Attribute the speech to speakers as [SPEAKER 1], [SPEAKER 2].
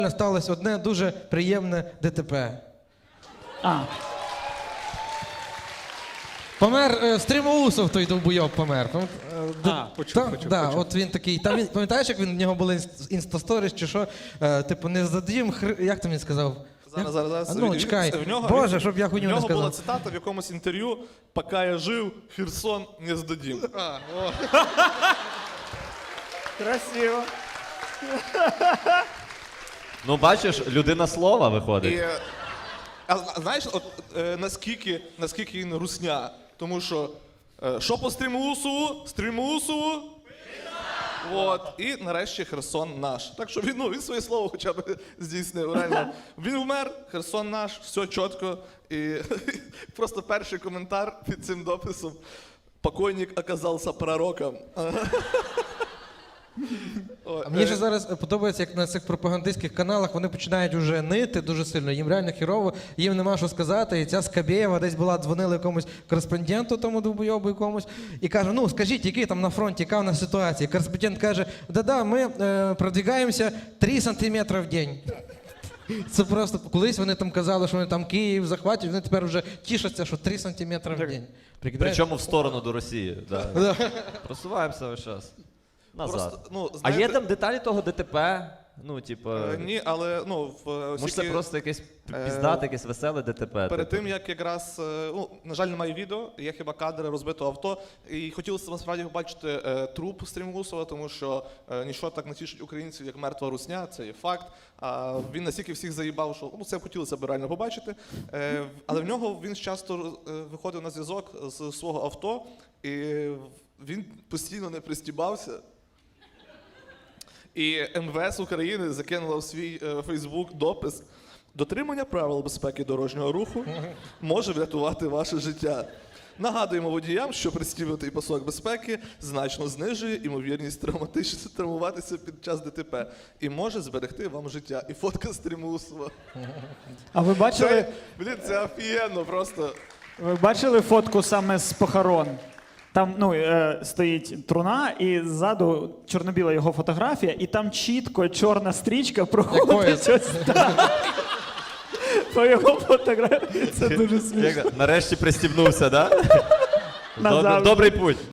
[SPEAKER 1] сталося одне дуже приємне ДТП. Помер Стрімоусов, той довбойоб помер.
[SPEAKER 2] Почув.
[SPEAKER 1] От він такий, там він, пам'ятаєш, як він, в нього були інстасторіс чи що, типу, не задім, як там він сказав?
[SPEAKER 2] Зараз.
[SPEAKER 1] Ну, чекай, Боже, щоб я хуйню не сказав.
[SPEAKER 2] В нього була цитата в якомусь інтерв'ю: «Поки я жив, Херсон не здадим».
[SPEAKER 3] Красиво.
[SPEAKER 4] Ну, бачиш, людина слова виходить.
[SPEAKER 2] А знаєш, от, наскільки він русня? Тому що по Стрімоусову? Стрімоусову? От. І нарешті Херсон наш. Так що він своє слово хоча б здійснив. Реально. Він вмер, Херсон наш, все чітко. І просто перший коментар під цим дописом: «Покойник оказався пророком».
[SPEAKER 1] А мені ж зараз подобається, як на цих пропагандистських каналах вони починають вже нити дуже сильно, їм реально хірово, їм нема що сказати, і ця Скабєєва десь була, дзвонила якомусь кореспонденту, тому довбойобу якомусь, і каже, ну скажіть, який там на фронті, яка в нас ситуація? Кореспондент каже, да-да, ми продвигаємося 3 сантиметри в день. Це просто, колись вони там казали, що вони там Київ захватять, вони тепер вже тішаться, що 3 сантиметри в день.
[SPEAKER 4] Причому в сторону до Росії. Да. Просуваємося весь час. Назад. А є там деталі того ДТП? Ну, типу...
[SPEAKER 2] Ні, але,
[SPEAKER 4] може це просто якесь піздате, якесь веселе ДТП?
[SPEAKER 2] Перед тим, як якраз, на жаль, немає відео, є хіба кадри розбитого авто, і хотілося насправді побачити труп Стрімоусова, тому що нічого так не тішить українців, як мертва русня, це є факт. А він настільки всіх заїбав, що це хотілося б реально побачити. Але в нього він часто виходив на зв'язок з свого авто, і він постійно не пристібався. І МВС України закинула в свій Фейсбук допис: «Дотримання правил безпеки дорожнього руху може врятувати ваше життя. Нагадуємо водіям, що пристібнутий пасок безпеки значно знижує ймовірність травмуватися під час ДТП і може зберегти вам життя». І фотка Стрімоусова.
[SPEAKER 3] А ви бачили?
[SPEAKER 2] Блін, це офігенно просто.
[SPEAKER 3] Ви бачили фотку саме з похорон? Там стоїть труна, і ззаду чорно-біла його фотографія, і там чітко чорна стрічка проходить ось так. По його фотографії. Це дуже смішно.
[SPEAKER 4] Нарешті пристібнувся, так?
[SPEAKER 3] Назавжди.
[SPEAKER 4] Добрий путь.